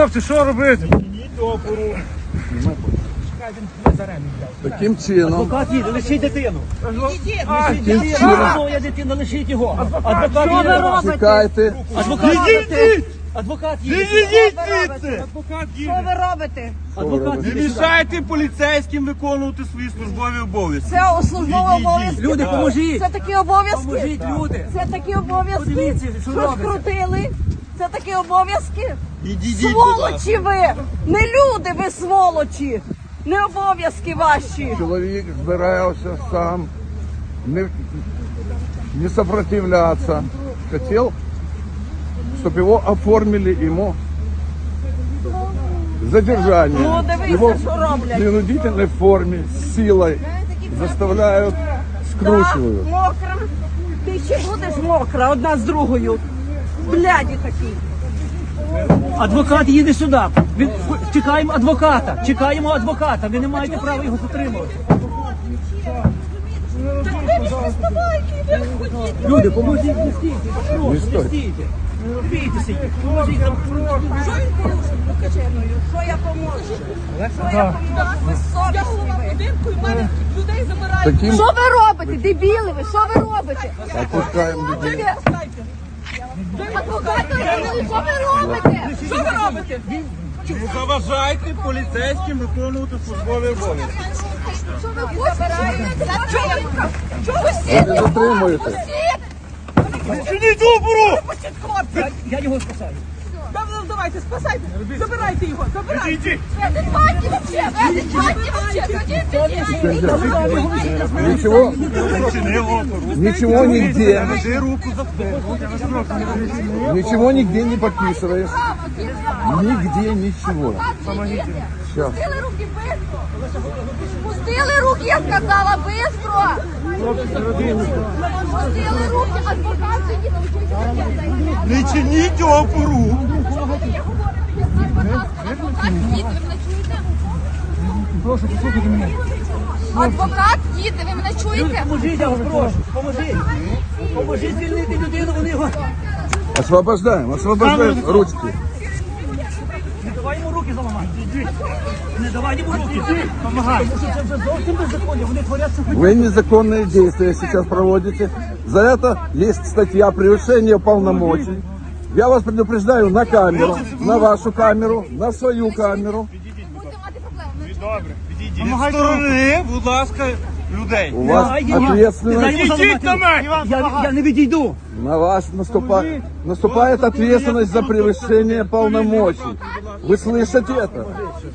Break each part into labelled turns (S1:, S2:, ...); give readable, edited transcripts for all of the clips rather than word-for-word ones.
S1: хлопці, що робити?
S2: Таким чином.
S3: Адвокат їде, лишіть дитину.
S2: Таким чином.
S3: Моя дитина, лишіть його. Адвокат їде.
S2: Чекайте.
S3: Адвокат їде.
S1: Відійдіть звідси! Адвокат
S4: Що
S1: їде.
S4: ви робите?
S3: Адвокат
S1: Не
S3: їде.
S1: мішайте поліцейським виконувати свої службові обов'язки.
S4: Це службові обов'язки.
S3: Люди, поможіть.
S4: Це такі обов'язки.
S3: Поможіть, люди.
S4: Це такі обов'язки.
S3: Подивіться, що
S4: Що
S3: робиться.
S4: скрутили? Це такі обов'язки.
S1: Відійдіть, будь ласка.
S4: Сволочі ви! Не люди ви сволочі! Не обов'язки ваші!
S2: Чоловік збирався сам, не сопротивляться. Хотел, чтобы его оформили ему задержание.
S4: Ну, дивися,
S2: Его
S4: що
S2: в
S4: роблять.
S2: принудительной форме, с силой заставляют, скручивают.
S4: Так, мокра. Ти ще будеш мокра одна з другою. Бляді такі.
S3: Адвокат їде сюди. Чекаємо адвоката. Чекаємо адвоката. Ви не маєте права його затримувати. Люди, поможіть, не стійте.
S2: Не стойте.
S3: Не стійте. Не бійтеся їх. Поможіть нам.
S4: Що він порушив? Покажи мною. Що я поможу? Що я поможу? Безсовісні ви.
S2: Таким
S4: Що ви робите? Дебіли ви? Що ви робите?
S2: отпускаем людей.
S4: Адвокати, що ви робите? Що ви робите?
S1: Не заважайте поліцейським виконувати службові обов'язки.
S4: Що ви хочете? Чого ви
S2: Ви не затримуєте.
S1: Чиніть опору!
S3: Я його спасаю.
S5: Давайте, спасайте, забирайте його, забирайте.
S1: Відійдіть!
S4: адекватні вообще? Ви адекватні вообще?
S2: Ничего,
S1: Чини опору.
S2: ничего нигде,
S1: Держи руку за
S2: ничего нигде не подписываешь. Нигде ничего. Сейчас.
S4: Пустили руки быстро! Пустили руки, я сказала, быстро! Пустили руки, адвокат сидить, научився.
S1: Не чиніть опору!
S3: Прошу, послухайте мене.
S4: Адвокат їде, ви мене чуєте?
S3: Поможіть, я вас прошу. Поможіть. Поможіть звільнити людину, вони його...
S2: Освобождаем ручки.
S3: Не давай йому руки заламати. Не давай йому руки. Помагай. Тому що це вже зовсім беззаконня. Вони творять це.
S2: Вы незаконные действия сейчас проводите. За это есть статья «Превышение полномочий». Я вас предупреждаю на камеру, на вашу камеру, на свою камеру.
S4: Будете мати проблеми.
S1: Добре, відійдіть. Від сторони, будь ласка, людей.
S2: У вас ответственность,
S1: Ідіть на мене!
S3: Я не відійду.
S2: на вас наступает ответственность за превышение полномочий. Вы слышите это?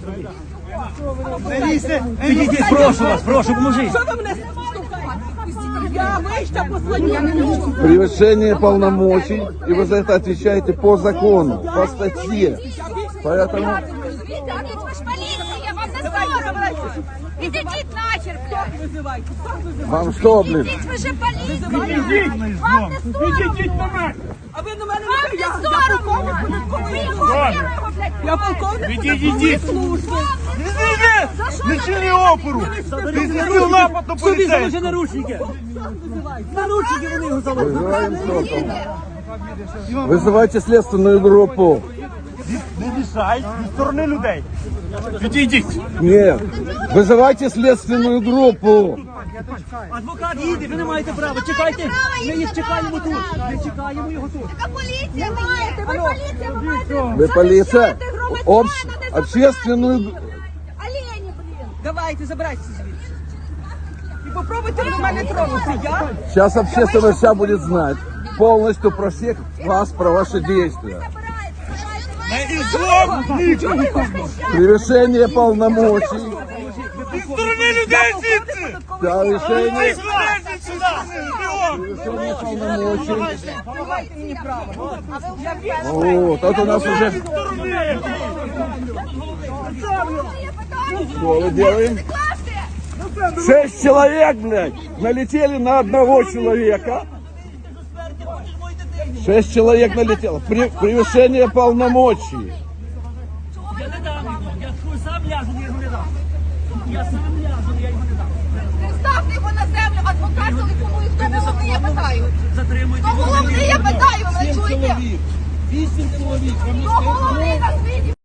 S3: Підійдіть, прошу вас, прошу, поможіть.
S5: Що ви мене штовхаєте? Я вийшла послання.
S2: Превышение полномочий, и вы за это отвечаете по закону, по статье. Поэтому
S4: Ви ж поліція, вам не соромно. Ідіть нахер, блядь.
S5: Визивайте, хто визиває?
S2: вам что, блин?
S4: Ідіть, ви ж поліція. Вам не соромно.
S1: Ідіть на мене!
S5: А ви на мене
S4: Вам
S5: не
S4: не
S5: я
S4: соромно.
S5: полковник податкової
S4: Ви
S5: служби.
S4: його блядь.
S5: Я полковник
S1: Відійдіть.
S5: податкової служби.
S1: Не чини опору! Ти зробив напад на
S3: Собі заложи
S1: поліцейського!
S3: наручники. Наручники вони його заложили.
S2: Вызываем сотом. Вызывайте следственную группу.
S1: Не мішай від сторони людей! Відійдіть!
S2: Нет, вызывайте следственную группу.
S3: Адвокат їде, ви не маєте права. Чекайте. Ми їх чекаємо тут. Ми чекаємо його тут.
S4: Така поліція маєте, ви поліція, ви маєте.
S2: Вы полиция, общественную...
S4: Олені, блін.
S5: Давайте, забирайтеся звідси. І попробуйте на мене тронути. Я?
S2: Сейчас общественность вся будет знать полностью про всех вас, про ваши действия.
S1: На ізлом!
S2: Превышение полномочий.
S1: Від сторони людей звідси!
S2: Превышение,
S1: Злезіть сюди! Бігом!
S2: превышение полномочий.
S5: Давайте мені право.
S2: Вот, это у нас уже... Что мы делаем? 6 человек, блядь, налетели на одного человека. 6 человек налетело. Превышение полномочий.
S3: Я не дам його. Я сам ляжу, я його не дам. Я сам ляжу, я його не дам.
S4: Не ставте його на землю, адвокат телефонує. Хто головний, я питаю.
S3: Затримуйте.
S4: Хто головний, я питаю, ви мене чуєте?
S3: 8 чоловік.
S4: Хто головний на світі?